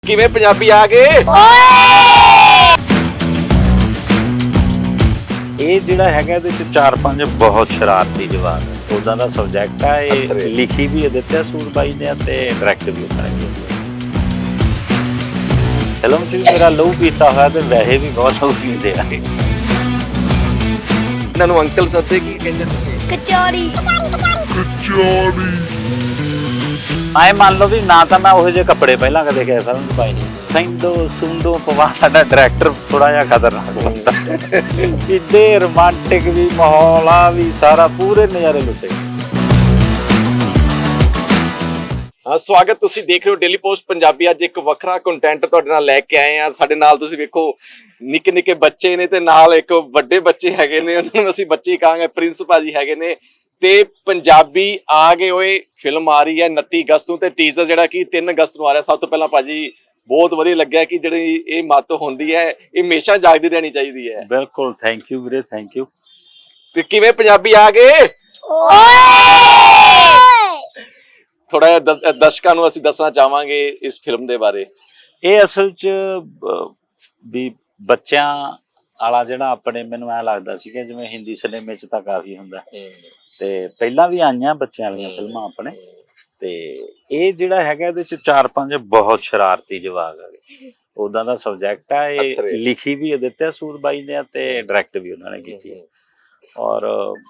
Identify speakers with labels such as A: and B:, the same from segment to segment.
A: ਕਿਵੇਂ ਪੰਜਾਬੀ ਆ ਗਏ
B: ਇਹ ਜਿਹੜਾ ਹੈਗਾ ਇਹਦੇ ਚ 4-5 ਬਹੁਤ ਸ਼ਰਾਰਤੀ ਜਵਾਬ ਹੈ। ਉਦਾਂ ਦਾ ਸਬਜੈਕਟ ਆ। ਇਹ ਲਿਖੀ ਵੀ ਦਿੱਤਾ ਸੂਰਬਾਈ ਨੇ ਤੇ ਡਾਇਰੈਕਟ ਵੀ ਕਰਾਂਗੇ। ਫਿਲਮ ਚ ਵੀ ਮੇਰਾ ਲਹੂ ਪੀਤਾ ਹੋਇਆ ਤੇ ਵੈਸੇ ਵੀ ਬਹੁਤ ਲਹੂ ਪੀਂਦੇ ਆ।
A: ਇਹਨਾਂ ਨੂੰ ਅੰਕਲ ਸੱਦੇ ਕੀ ਕਹਿੰਦੇ ਤੁਸੀਂ?
C: ਕਚੌਰੀ।
B: ਆਏ ਮੰਨ ਲਓ ਵੀ ਨਾ ਤਾਂ ਮੈਂ ਉਹੋ ਜਿਹੇ ਕੱਪੜੇ ਪਹਿਲਾਂ ਕਦੇ ਕਿਸੇ ਫਿਲਮ ਚ ਪਾਏ ਨਹੀਂ। ਸੈਂਦੋ ਸੁੰਦੋ ਪਵਾ ਸਾਡਾ ਡਾਇਰੈਕਟਰ ਥੋੜਾ ਜਿਹਾ ਖਤਰਨਾਕ ਬੰਦਾ। ਕਿੱਡੇ ਰੋਮਾਂਟਿਕ ਵੀ ਮਾਹੌਲ ਆ ਵੀ ਸਾਰਾ ਪੂਰੇ ਨਜ਼ਾਰੇ ਲੁੱਟੇ।
A: ਹਾਂ, ਸਵਾਗਤ। ਤੁਸੀਂ ਦੇਖ ਰਹੇ ਹੋ ਡੇਲੀ ਪੋਸਟ ਪੰਜਾਬੀ। ਅੱਜ ਇੱਕ ਵੱਖਰਾ ਕੰਟੈਂਟ ਤੁਹਾਡੇ ਨਾਲ ਲੈ ਕੇ ਆਏ ਆ। ਸਾਡੇ ਨਾਲ ਤੁਸੀਂ ਵੇਖੋ ਨਿੱਕੇ ਨਿੱਕੇ ਬੱਚੇ ਨੇ ਤੇ ਨਾਲ ਇੱਕ ਵੱਡੇ ਬੱਚੇ ਹੈਗੇ ਨੇ, ਉਹਨਾਂ ਨੂੰ ਅਸੀਂ ਬੱਚੇ ਕਹਾਂਗੇ। ਪ੍ਰਿੰਸ ਭਾਜੀ ਹੈਗੇ ਨੇ ਤੇ ਪੰਜਾਬੀ ਆ ਗਏ ਓਏ ਫਿਲਮ ਆ ਰਹੀ ਹੈ 29 ਅਗਸਤ ਨੂੰ ਤੇ ਟੀਜ਼ਰ ਜਿਹੜਾ ਕਿ 3 ਅਗਸਤ ਨੂੰ ਆ ਰਿਹਾ। ਸਭ ਤੋਂ ਪਹਿਲਾਂ ਭਾਜੀ ਬਹੁਤ ਵਧੀਆ ਲੱਗਿਆ ਕਿ ਜਿਹੜੀ ਇਹ ਮੱਤ ਹੁੰਦੀ ਹੈ ਇਹ ਹਮੇਸ਼ਾ ਜਾਗਦੀ ਰਹਿਣੀ ਚਾਹੀਦੀ ਹੈ।
B: ਬਿਲਕੁਲ, ਥੈਂਕ ਯੂ ਵੀਰੇ, ਥੈਂਕ ਯੂ।
A: ਤੇ ਕਿਵੇਂ ਪੰਜਾਬੀ ਆ ਗਏ? ਥੋੜਾ ਜਿਹਾ ਦਰਸ਼ਕਾਂ ਨੂੰ ਅਸੀਂ ਦੱਸਣਾ ਚਾਹਾਂਗੇ ਇਸ ਫਿਲਮ ਦੇ ਬਾਰੇ।
B: ਇਹ ਅਸਲ 'ਚ ਵੀ ਬੱਚਿਆਂ ਵਾਲਾ ਜਿਹੜਾ ਆਪਣੇ ਮੈਨੂੰ ਐ ਲੱਗਦਾ ਸੀਗਾ ਜਿਵੇਂ ਹਿੰਦੀ ਸਿਨੇਮੇ 'ਚ ਤਾਂ ਕਾਫੀ ਹੁੰਦਾ ਤੇ ਪਹਿਲਾਂ ਵੀ ਆਈਆਂ ਬੱਚਿਆਂ ਵਾਲੀਆਂ ਫਿਲਮਾਂ ਆਪਣੇ। ਤੇ ਇਹ ਜਿਹੜਾ ਹੈਗਾ ਇਹਦੇ 'ਚ 4-5 ਬਹੁਤ ਸ਼ਰਾਰਤੀ ਜਵਾਕ ਹੈਗੇ। ਉਦਾਂ ਦਾ ਸਬਜੈਕਟ ਆ। ਇਹ ਲਿਖੀ ਵੀ ਦਿੱਤਾ ਸੂਰਬਾਈ ਨੇ ਤੇ ਡਾਇਰੈਕਟ ਵੀ ਉਹਨਾਂ ਨੇ ਕੀਤੀ ਹੈ। ਔਰ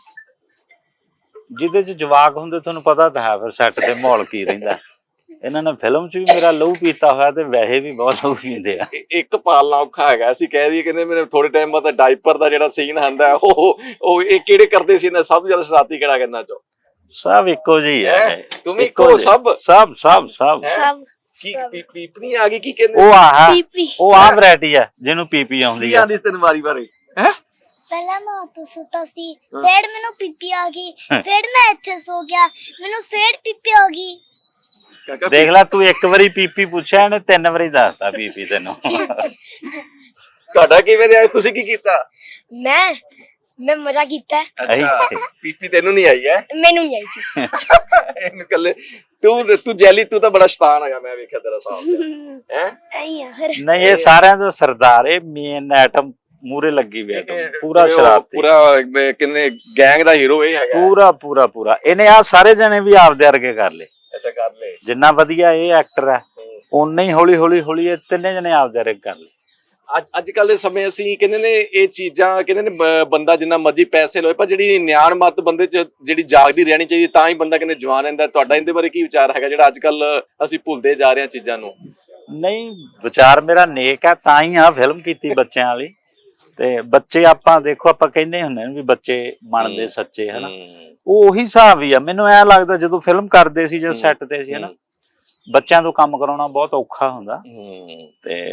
B: ਜਿਹਦੇ 'ਚ ਜਵਾਕ ਹੁੰਦੇ ਤੁਹਾਨੂੰ ਪਤਾ ਤਾਂ ਹੈ ਫਿਰ ਸੈੱਟ ਤੇ ਮਾਹੌਲ ਕੀ ਰਹਿੰਦਾ। ਇਹਨਾਂ ਨੇ ਫਿਲਮ 'ਚ ਵੀ ਮੇਰਾ ਲਹੂ ਪੀਤਾ ਹੋਇਆ ਤੇ ਵੈਸੇ ਵੀ ਬਹੁਤ ਲਹੂ ਪੀਂਦੇ ਆ।
A: ਇੱਕ ਪਾਲਣਾ ਔਖਾ ਹੈਗਾ। ਅਸੀਂ ਕਹਿ ਦਈਏ ਕਹਿੰਦੇ ਮੇਰੇ ਥੋੜੇ ਟਾਈਮ ਬਾਅਦ ਡਾਈਪਰ ਦਾ ਜਿਹੜਾ ਸੀਨ ਆਂਦਾ ਉਹ ਇਹ ਕਿਹੜੇ ਕਰਦੇ ਸੀ ਨਾ? ਸਭ ਤੋਂ ਜ਼ਿਆਦਾ ਸ਼ਰਾਰਤੀ ਕਿਹੜਾ ਕਰਨਾ ਚਾਹੋ?
B: ਸਭ ਇੱਕੋ ਜਿਹੀ ਹੈ।
A: ਤੁਮ ਇੱਕੋ ਸਭ
B: ਸਭ ਸਭ ਸਭ
A: ਕੀ ਪੀਪਣੀ ਆ ਗਈ? ਕੀ ਕਹਿੰਦੇ
B: ਉਹ ਆਹ ਵੈਰਾਈਟੀ ਹੈ ਜਿਹਨੂੰ ਪੀਪੀ ਆਉਂਦੀ ਆ।
A: ਆਂਦੀ ਤੈਨੂੰ ਵਾਰੀ ਵਾਰੀ ਹੈ।
C: ਪਹਿਲਾਂ ਮੈਂ ਉੱਥੇ ਸੁੱਤਾ ਸੀ, ਫਿਰ ਮੈਨੂੰ ਪੀਪੀ ਆ ਗਈ, ਫਿਰ ਮੈਂ ਇੱਥੇ ਸੋ ਗਿਆ, ਮੈਨੂੰ ਫਿਰ ਪੀਪੀ ਆ ਗਈ।
B: ਦੇਖ ਲੈ ਤੂੰ ਇੱਕ ਵਾਰੀ ਪੀਪੀ ਪੁੱਛਿਆ ਇਹਨੇ 3 ਵਾਰੀ ਦੱਸਤਾ ਪੀਪੀ ਤੈਨੂੰ।
A: ਤੁਹਾਡਾ ਕਿਵੇਂ ਰਿਹਾ? ਤੁਸੀਂ ਕੀ ਕੀਤਾ?
C: ਮੈਂ ਮਜ਼ਾ ਕੀਤਾ।
A: ਅੱਛਾ, ਪੀਪੀ ਤੈਨੂੰ ਨਹੀਂ ਆਈ ਹੈ?
C: ਮੈਨੂੰ ਨਹੀਂ ਆਈ ਸੀ।
A: ਇਹਨੂੰ ਕੱਲੇ ਤੂੰ ਜੈਲੀ, ਤੂੰ ਤਾਂ ਬੜਾ ਸ਼ੈਤਾਨ ਹੈਗਾ। ਮੈਂ ਵੇਖਿਆ ਤੇਰਾ ਸਾਹਬ ਹੈ।
B: ਨਹੀਂ ਇਹ ਸਾਰਿਆਂ ਦਾ ਸਰਦਾਰ, ਇਹ ਮੇਨ ਐਟਮ ਮੂਰੇ ਲੱਗੀ ਹੋਈ ਹੈ। ਪੂਰਾ ਸ਼ਰਾਰਤੀ,
A: ਪੂਰਾ ਕਿੰਨੇ ਗੈਂਗ ਦਾ ਹੀਰੋ ਇਹ ਹੈਗਾ।
B: ਪੂਰਾ ਇਹਨੇ ਆ ਸਾਰੇ ਜਣੇ ਵੀ ਆਪਦੇ ਵਰਗੇ ਕਰ ਲਏ।
A: ਅੱਛਾ, ਕਰ ਲਏ।
B: ਜਿੰਨਾ ਵਧੀਆ ਇਹ ਐਕਟਰ ਹੈ ਓਨਾ ਹੀ ਹੌਲੀ ਇਹ ਤਿੰਨੇ ਜਣੇ ਆਪਦੇ ਵਰਗੇ ਕਰ ਲਏ।
A: ਅੱਜ ਕੱਲ ਦੇ ਸਮੇਂ ਅਸੀਂ ਕਹਿੰਦੇ ਨੇ ਇਹ ਚੀਜ਼ਾਂ ਕਹਿੰਦੇ ਨੇ ਬੰਦਾ ਜਿੰਨਾ ਮਰਜ਼ੀ ਪੈਸੇ ਲੋਏ ਪਰ ਜਿਹੜੀ ਨਿਆਣ ਮੱਤ ਬੰਦੇ ਚ ਜਿਹੜੀ ਜਾਗਦੀ ਰਹਿਣੀ ਚਾਹੀਦੀ ਤਾਂ ਹੀ ਬੰਦਾ ਕਹਿੰਦੇ ਜਵਾਨ ਰਹਿੰਦਾ। ਤੁਹਾਡਾ ਇਹਦੇ ਬਾਰੇ ਕੀ ਵਿਚਾਰ ਹੈਗਾ ਜਿਹੜਾ ਅੱਜ ਕੱਲ ਅਸੀਂ ਭੁੱਲਦੇ ਜਾ ਰਹੇ ਹਾਂ ਚੀਜ਼ਾਂ ਨੂੰ? ਨਹੀਂ, ਵਿਚਾਰ ਮੇਰਾ ਨੇਕ ਹੈ ਤਾਂ ਹੀ ਆ ਫਿਲਮ ਕੀਤੀ ਬੱਚਿਆਂ ਵਾਲੀ। ਤੇ ਬੱਚੇ ਆਪਾਂ ਦੇਖੋ ਆਪਾਂ ਕਹਿੰਦੇ ਹੁੰਦੇ ਨੇ ਵੀ ਬੱਚੇ ਮੰਨਦੇ ਸੱਚੇ ਹਨਾ, ਉਹ ਉਹੀ ਹਿਸਾਬ ਹੀ ਆ। ਮੈਨੂੰ ਐ ਲੱਗਦਾ ਜਦੋਂ ਫਿਲਮ ਕਰਦੇ ਸੀ ਜਾਂ ਸੈੱਟ ਤੇ ਸੀ ਹਨਾ, ਬੱਚਿਆਂ ਤੋਂ ਕੰਮ ਕਰਾਉਣਾ ਬਹੁਤ ਔਖਾ ਹੁੰਦਾ ਤੇ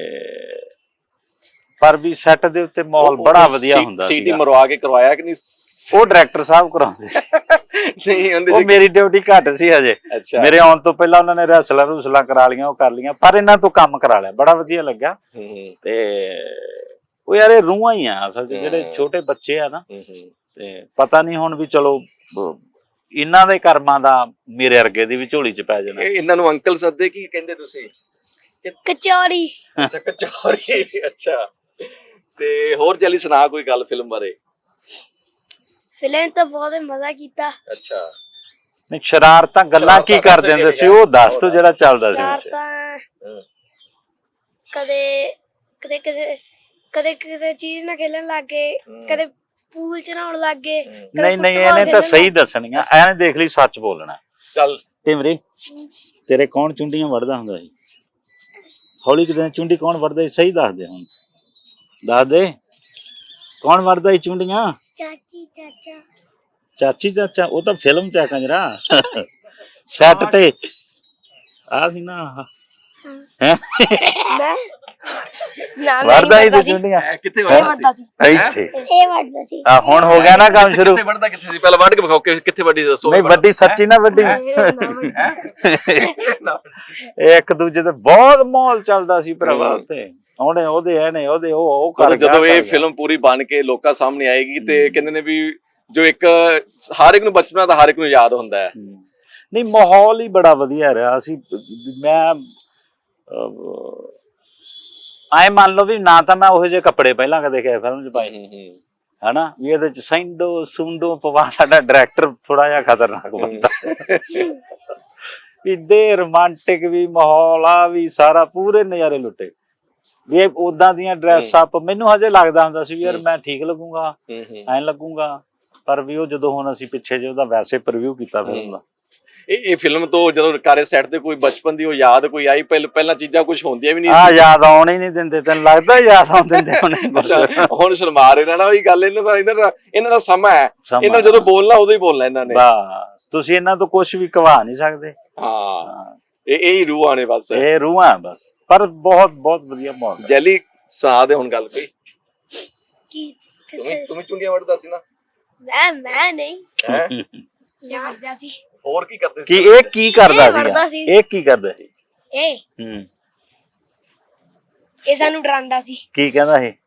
A: ਪਰ ਵੀ ਸੈੱਟ ਦੇ ਉੱਤੇ ਮਾਹੌਲ ਬੜਾ ਵਧੀਆ ਹੁੰਦਾ ਸੀ। ਸੀਟੀ ਮਰਵਾ ਕੇ ਕਰਵਾਇਆ ਕਿ ਨਹੀਂ?
B: ਉਹ ਡਾਇਰੈਕਟਰ ਸਾਹਿਬ ਕਰਾਉਂਦੇ
A: ਨਹੀਂ,
B: ਉਹ ਮੇਰੀ ਡਿਊਟੀ ਘੱਟ ਸੀ ਹਜੇ। ਮੇਰੇ ਆਉਣ ਤੋਂ ਪਹਿਲਾਂ ਉਹਨਾਂ ਨੇ ਰੈਸਲਾਂ ਕਰਾ ਲੀਆਂ, ਉਹ ਕਰ ਲੀਆਂ, ਪਰ ਇਹਨਾਂ ਤੋਂ ਕੰਮ ਕਰਾ ਲਿਆ। ਬੜਾ ਵਧੀਆ ਲੱਗਾ। ਤੇ ਉਹ ਯਾਰ ਇਹ ਰੂਹਾਂ ਹੀ ਆ ਅਸਲ 'ਚ ਜਿਹੜੇ ਛੋਟੇ ਬੱਚੇ ਆ ਨਾ। ਤੇ ਪਤਾ ਨਹੀਂ ਹੁਣ ਵੀ ਚਲੋ ਇਹਨਾਂ ਦੇ ਕਰਮਾਂ ਦਾ ਮੇਰੇ ਵਰਗੇ ਦੀ ਵੀ ਝੋਲੀ 'ਚ ਪੈ ਜਾਣਾ।
A: ਇਹਨਾਂ ਨੂੰ ਅੰਕਲ ਸੱਦੇ ਕੀ ਕਹਿੰਦੇ ਤੁਸੀਂ?
C: ਕਚੌਰੀ।
A: ਅੱਛਾ, ਕਚੌਰੀ। ਅੱਛਾ, ਤੇ ਹੋਰ ਜੈਲੀ ਸੁਣਾ ਕੋਈ ਗੱਲ ਫਿਲਮ ਬਾਰੇ।
C: ਫਿਲਮ ਤਾਂ ਬਹੁਤ ਮਜ਼ਾ ਕੀਤਾ।
A: ਅੱਛਾ,
B: ਨਹੀਂ ਸ਼ਰਾਰਤਾਂ ਗੱਲਾਂ ਕੀ ਕਰਦੇ ਹੁੰਦੇ ਸੀ ਉਹ ਦੱਸ ਤੂੰ ਜਿਹੜਾ ਚੱਲਦਾ ਸੀ।
C: ਕਦੇ ਕਿਸੇ ਚੀਜ਼ ਨਾਲ ਖੇਲਣ ਲੱਗ ਗਏ, ਕਦੇ ਪੂਲ ਚ ਨਹਾਉਣ ਲੱਗ ਗਏ।
B: ਨਹੀਂ ਇਹਨੇ ਤਾਂ ਸਹੀ ਦੱਸਣੀਆਂ। ਐਨੇ ਦੇਖ ਲਈ, ਸੱਚ ਬੋਲਣਾ।
A: ਚੱਲ
B: ਟਿਮਰੀ, ਤੇਰੇ ਕੌਣ ਚੁੰਡੀਆਂ ਵੜਦਾ ਹੁੰਦਾ ਸੀ? ਹੌਲੀ ਕਿਤੇ ਚੁੰਡੀ ਕੌਣ ਵੜਦਾ ਸੀ? ਸਹੀ ਦੱਸ ਦੇ ਹੁਣ, ਦੱਸ ਦੇ ਕੌਣ ਵੜਦਾ ਸੀ ਚੁੰਡੀਆਂ? ਚਾਚੀ ਚਾਚਾ। ਉਹ ਤਾਂ ਫਿਲਮ ਚ ਆ ਕੰਜਰਾ। ਸੈੱਟ ਤੇ ਆ ਸੀ ਨਾ ਵੜਦਾ ਸੀ ਤੇ ਚੁੰਡੀਆਂ
A: ਕਿੱਥੇ ਵੜਦਾ ਸੀ?
B: ਇੱਥੇ
C: ਇਹ ਵੜਦਾ ਸੀ।
B: ਆ ਹੁਣ ਹੋ ਗਿਆ ਨਾ ਕੰਮ ਸ਼ੁਰੂ।
A: ਕਿੱਥੇ ਵੜਦਾ? ਕਿੱਥੇ ਸੀ? ਪਹਿਲਾਂ ਵੱਢ ਕੇ ਵਿਖਾਓ ਕਿੱਥੇ ਵੱਡੀ ਦੱਸੋ।
B: ਨਹੀਂ ਵੱਡੀ ਸੱਚੀ ਨਾ ਵੱਡੀ। ਇੱਕ ਦੂਜੇ ਤੇ ਬਹੁਤ ਮਾਹੌਲ ਚੱਲਦਾ ਸੀ ਭਰਾਵਾ ਉੱਥੇ। ਉਹਨੇ ਉਹਦੇ ਇਹਨੇ ਉਹਦੇ ਉਹ ਕਰ।
A: ਜਦੋਂ ਇਹ ਫਿਲਮ ਪੂਰੀ ਬਣ ਕੇ ਲੋਕਾਂ ਸਾਹਮਣੇ ਆਏਗੀ ਤੇ ਕਹਿੰਦੇ ਨੇ ਵੀ ਜੋ ਇੱਕ ਹਰ ਇੱਕ ਨੂੰ ਬਚਪਨਾ ਦਾ ਹਰ ਇੱਕ ਨੂੰ ਯਾਦ ਹੁੰਦਾ ਹੈ।
B: ਨਹੀਂ ਮਾਹੌਲ ਹੀ ਬੜਾ ਵਧੀਆ ਰਿਹਾ। ਅਸੀਂ ਮੈਂ ਐ ਮੰਨ ਲਓ ਵੀ ਨਾ ਤਾਂ ਮੈਂ ਉਹੋ ਜਿਹੇ ਕੱਪੜੇ ਪਹਿਲਾਂ ਕਦੇ ਕਿਸੇ ਫਿਲਮ 'ਚ ਪਾਏ ਹਨਾ, ਵੀ ਇਹਦੇ 'ਚ ਸੈਂਡੋ ਸੁੰਡੋ ਪਵਾ। ਸਾਡਾ ਡਾਇਰੈਕਟਰ ਥੋੜਾ ਜਿਹਾ ਖਤਰਨਾਕ ਬੰਦਾ, ਇੱਡੇ ਰੋਮਾਂਟਿਕ ਵੀ ਮਾਹੌਲ ਆ ਵੀ ਸਾਰਾ, ਪੂਰੇ ਨਜ਼ਾਰੇ ਲੁੱਟੇ ਵੀ। ਇਹ ਉਦਾਂ ਦੀਆਂ ਡਰੈਸ ਅਪ ਮੈਨੂੰ ਹਜੇ ਲੱਗਦਾ ਹੁੰਦਾ ਸੀ ਵੀ ਯਾਰ ਮੈਂ ਠੀਕ ਲੱਗੂਗਾ, ਐਂ ਲੱਗੂਗਾ, ਪਰ ਵੀ ਉਹ ਜਦੋਂ ਹੁਣ ਅਸੀਂ ਪਿੱਛੇ ਜੇ ਉਹਦਾ ਵੈਸੇ ਪ੍ਰੀਵਿਊ ਕੀਤਾ ਫਿਲਮ ਦਾ,
A: ਇਹ ਫਿਲਮ ਤੋਂ ਜਦੋਂ ਕਾਰੇ ਸੈੱਟ ਤੇ ਕੋਈ ਬਚਪਨ ਦੀ ਉਹ ਯਾਦ ਕੋਈ ਆਈ? ਪਹਿਲਾਂ ਚੀਜ਼ਾਂ ਕੁਝ ਹੁੰਦੀਆਂ ਵੀ ਨਹੀਂ
B: ਆ ਯਾਦ ਆਉਣ ਹੀ ਨਹੀਂ ਦਿੰਦੇ, ਤੈਨੂੰ ਲੱਗਦਾ ਯਾਦ ਆਉਣ ਦਿੰਦੇ
A: ਹੁਣ ਸ਼ਰਮਾ ਰਹੇ ਨਾ ਉਹੀ ਗੱਲ। ਇਹਨਾਂ ਦਾ ਸਮਾਂ ਹੈ, ਇਹਨਾਂ ਜਦੋਂ ਬੋਲਣਾ ਉਦੋਂ ਹੀ ਬੋਲਣਾ ਇਹਨਾਂ ਨੇ।
B: ਬਸ ਤੁਸੀਂ ਇਹਨਾਂ ਤੋਂ ਕੁਝ ਵੀ ਕਵਾ ਨਹੀਂ ਸਕਦੇ।
A: ਹਾਂ, ਇਹ ਹੀ ਰੂਹਾਂ ਨੇ ਬਸ,
B: ਇਹ ਰੂਹਾਂ ਬਸ। ਪਰ ਬਹੁਤ ਬਹੁਤ ਵਧੀਆ ਮਾਹੌਲ।
A: ਜੈਲੀ ਸੁਣਾ ਦੇ ਹੁਣ ਗੱਲ ਕੋਈ।
C: ਕੀ
A: ਤੂੰ ਚੁੰਡੀਆਂ ਵੜਦਾ ਸੀ ਨਾ?
C: ਮੈਂ ਨਹੀਂ
A: ਹੈ
C: ਇਹ ਵਰਦਾ ਸੀ।
A: ਹੋਰ ਕੀ ਕਰਦੇ
B: ਕੀ
A: ਸੀ?
B: ਇਹ ਕੀ ਕਰਦਾ ਸੀ? ਇਹ ਕੀ ਕਰਦਾ ਸੀ?
C: ਇਹ ਸਾਨੂੰ ਡਰਾਉਂਦਾ ਸੀ।
B: ਕੀ ਕਹਿੰਦਾ ਇਹ?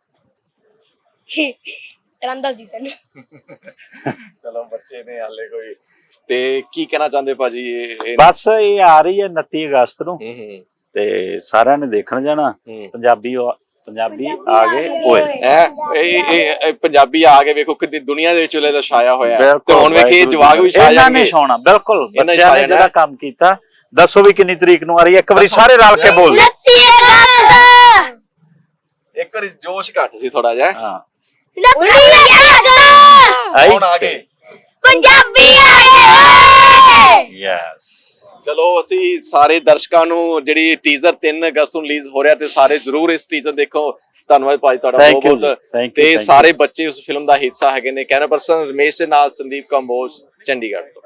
C: ਡਰਾਉਂਦਾ ਸੀ ਸਾਨੂੰ।
A: ਚਲੋ ਬੱਚੇ ਨੇ ਹਾਲੇ ਕੋਈ। ਤੇ ਕੀ ਕਹਿਣਾ ਚਾਹੁੰਦੇ ਭਾਜੀ?
B: ਬਸ ਇਹ ਆ ਰਹੀ ਹੈ 29 ਅਗਸਤ ਨੂੰ ਤੇ ਸਾਰਿਆਂ ਨੇ ਦੇਖਣ ਜਾਣਾ। ਪੰਜਾਬੀ ਆ ਗਏ ਓਏ।
A: ਇਹ ਪੰਜਾਬੀ ਆ ਕੇ ਵੇਖੋ ਕਿੰਨੀ ਦੁਨੀਆ ਦੇ ਵਿੱਚ ਉਹਦਾ ਛਾਇਆ ਹੋਇਆ ਤੇ ਹੁਣ ਵੇਖੀ ਜਵਾਗ ਵੀ ਛਾ
B: ਇਹਨਾਂ ਨੇ ਛਾਉਣਾ। ਬਿਲਕੁਲ ਬੱਚਿਆਂ ਨੇ ਜਿਹੜਾ ਕੰਮ ਕੀਤਾ। ਦੱਸੋ ਵੀ ਕਿੰਨੀ ਤਰੀਕ ਨੂੰ ਆ ਰਹੀ ਹੈ? ਇੱਕ ਵਾਰੀ ਸਾਰੇ ਰਲ ਕੇ ਬੋਲ।
C: 29 ਅਗਸਤ।
A: ਇੱਕ ਵਾਰੀ ਜੋਸ਼ ਘੱਟ ਸੀ ਥੋੜਾ ਜਿਹਾ।
B: ਹਾਂ
C: 29 ਅਗਸਤ
A: ਹੁਣ ਆ ਗਏ
C: ਪੰਜਾਬੀ ਆ ਗਏ।
B: ਯੈਸ।
A: ਚਲੋ ਅਸੀਂ ਸਾਰੇ ਦਰਸ਼ਕਾਂ ਨੂੰ ਜਿਹੜੀ ਟੀਜ਼ਰ 3 ਅਗਸਤ ਨੂੰ ਰਿਲੀਜ਼ ਹੋ ਰਿਹਾ ਤੇ ਸਾਰੇ ਜ਼ਰੂਰ ਇਸ ਟੀਜ਼ਰ ਦੇਖੋ। ਧੰਨਵਾਦ ਭਾਈ ਤੁਹਾਡਾ ਬਹੁਤ ਬਹੁਤ। ਤੇ ਸਾਰੇ ਬੱਚੇ ਉਸ ਫਿਲਮ ਦਾ ਹਿੱਸਾ ਹੈਗੇ ਨੇ। ਕੈਮਰਾ ਪਰਸਨ ਰਮੇਸ਼ ਦੇ ਨਾਲ ਸੰਦੀਪ ਕੰਬੋਜ, ਚੰਡੀਗੜ੍ਹ ਤੋਂ।